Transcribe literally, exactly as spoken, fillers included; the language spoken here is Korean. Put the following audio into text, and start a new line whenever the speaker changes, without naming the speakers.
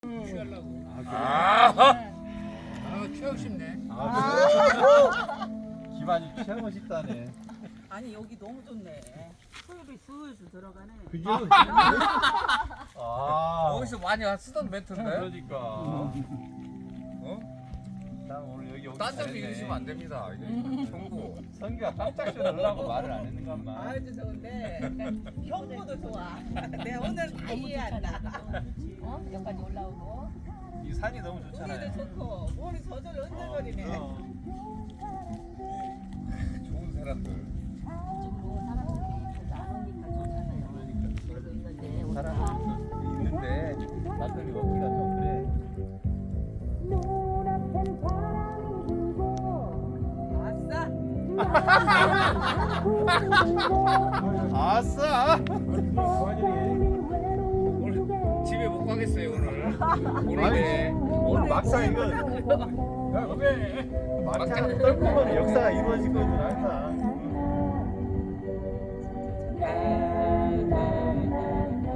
취하려고.
아,
아, 취하고 싶네.
아, 기반이 취하고 싶다네.
아니 여기 너무 좋네. 수입이 슬슬 들어가네.
그죠? 아,
어디서 많이 쓰던 멘트인데?
그러니까.
어?
난 오늘 여기 오기
딴 데로
잘했네.
이러시면 안 됩니다. 이게 정부.
성규가 깜짝 놀라고 말을 안 했는 것만.
아주 좋은데 형부도 좋아. 내가 오늘 다 이해한다. 어? 여기까지 올라오고
이 산이 너무
우리도
좋잖아요.
좋고 몸이 저절로 흔들거리네.
어,
좋은 사람들.
이쪽으로 사람들이 이렇게 나오니까 좋잖아요. 그래서 있는데 오늘
사람이 있는데 나들이 먹기가 좀 그래.
아싸.
아싸!
오늘 집에 못 가겠어요 오늘. 오늘이네.
오늘 막상 이거
야, 왜?
막상 떨고만 역사가 이루어지거든 항상.